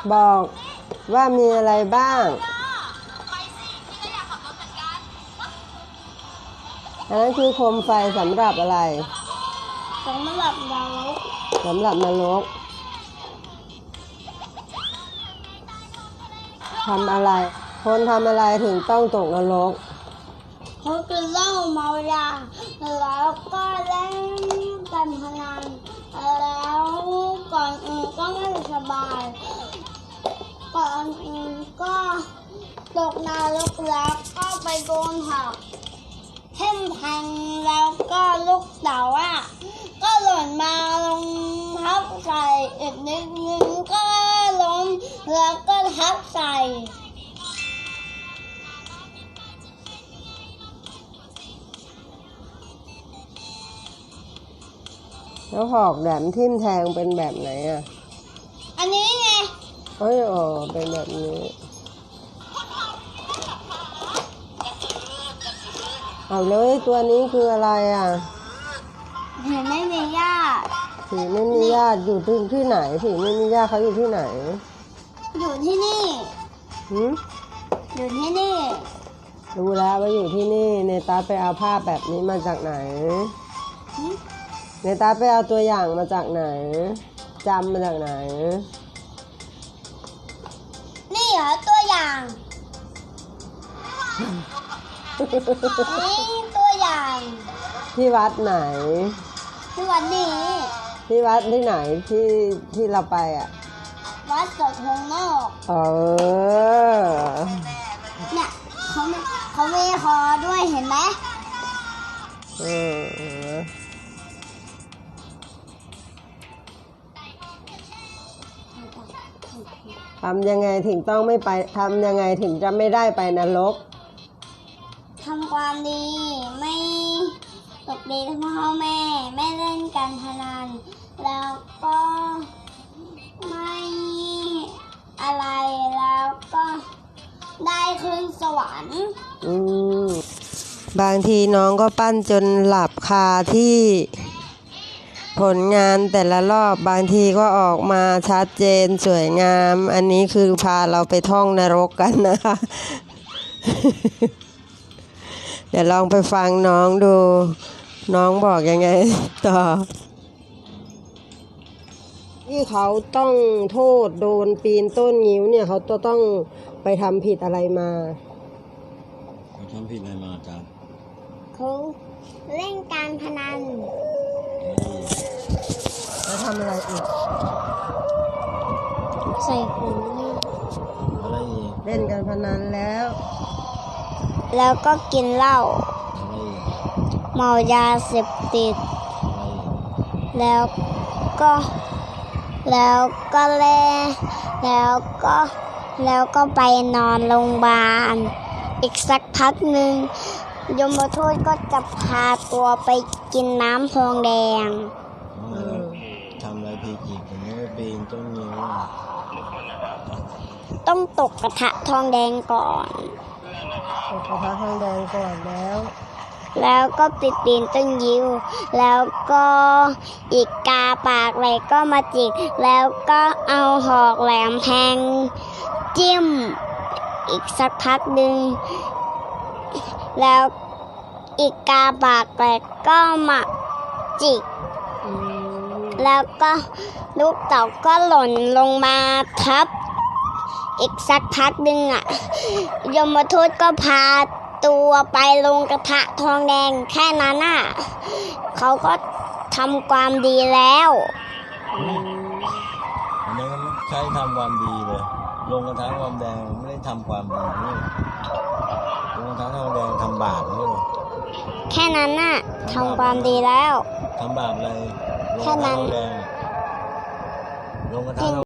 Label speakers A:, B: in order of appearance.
A: บอกว่ามีอะไรบ้างอันนั้นคือโคมไฟสำหรับอะไร
B: สำหรับนรก
A: สำหรับนรกทำอะไรคนทำอะไรถึงต้องตกนรก
B: เขากินเหล้าเมายาแล้วก็เล่นการพนันแล้วก่อนอื่นก็ไม่สบายก่อนอื่นก็ตกนรกแล้วก็ไปโดนหักเท่มแทงแล้วก็ลูกเต๋าก็หล่นมาลงทับใส่อีกนิดนึงก็ล้มแล้วก็ทับใส่
A: แล้วหอกแหลมทิ่มแทงเป็นแบบไหนอ่ะ
B: อันนี้ไง
A: เป็นแบบนี้เอาเลยตัวนี้คืออะไรอ่ะ
B: ผีไม่มีญาติ
A: ผีไม่มีญาติอยู่ที่ไหนผีไม่มีญาติเขาอยู่ที่ไหน
B: อยู่ที่นี่อยู่ที่นี่
A: รู้แล้วว่าอยู่ที่นี่เนตาไปเอาภาพแบบนี้มาจากไหนเนตาไปเอาตัวอย่างมาจากไหนจำมาจากไหน
B: นี่เหรอตัวอย่างนี่ตัวอย่าง
A: ที่วัดไหน
B: ที่วัดนี้
A: ที่วัดที่ไหนที่เราไปอ่ะ
B: วัดสดทงนอกเนี่ยเขามีคอด้วยเห็นไหม
A: ทำยังไงถึงต้องไม่ไปทำยังไงถึงจะไม่ได้ไปนรก
B: ทำความดีไม่ตกดีทั้งพ่อแม่ไม่เล่นการพนันแล้วก็ไม่อะไรแล้วก็ได้ขึ้นสวรรค์
A: บางทีน้องก็ปั้นจนหลับคาที่ผลงานแต่ละรอบบางทีก็ออกมาชัดเจนสวยงามอันนี้คือพาเราไปท่องนรกกันนะคะ เดี๋ยวลองไปฟังน้องดูน้องบอกยังไงต่อที่เขาต้องโทษโดนปีนต้นงิ้วเนี่ยเขาต้องไปทำผิดอะไรมา
C: ทำผิดอะไรมาจ๊ะ
B: เขาเล่นการพนัน
A: แล้วทำอะไรอีก
B: ใส่หู
C: อะไรอีก
A: เล่นการพนัน
B: แล้วก็กินเหล้าเมายาเสพติดแล้วก็เล่แล้วก็ไปนอนโรงพยาบาลอีกสักพักหนึ่งยมทูตก็จะพาตัวไปกินน้ำทองแดง
C: ทำอะไรผิดอีกผมไม่ปีนต้นงิ้ว
B: ต้องตกกระทะทองแดงก่อน
A: ตกกระทะทองแดงก่อน
B: แล้วก็ปีนต้นงิ้วแล้วก็อีกกาปากไหลก็มาจิกแล้วก็เอาหอกแหลมแทงจิ้มอีกสักพักหนึ่งแล้วอีกกาปากไหลก็มาจิกแล้วก็ลูกเต่าก็หล่นลงมาทับอีกสักพักหนึ่งยมทูตก็พาตัวไปลงกระทะทองแดงแค่นั้นเขาก็ทำความดีแล้ว
C: อันนี้ก็ใช้ทำความดีเลยลงกระทะทองแดงไม่ได้ทำความดีนี่ลงกระทะทองแดงทำบาปนี่
B: แค่นั้นทำความดีแล้ว
C: ทำบาปอะไร
B: แค่นั้น
C: ลงกระทะ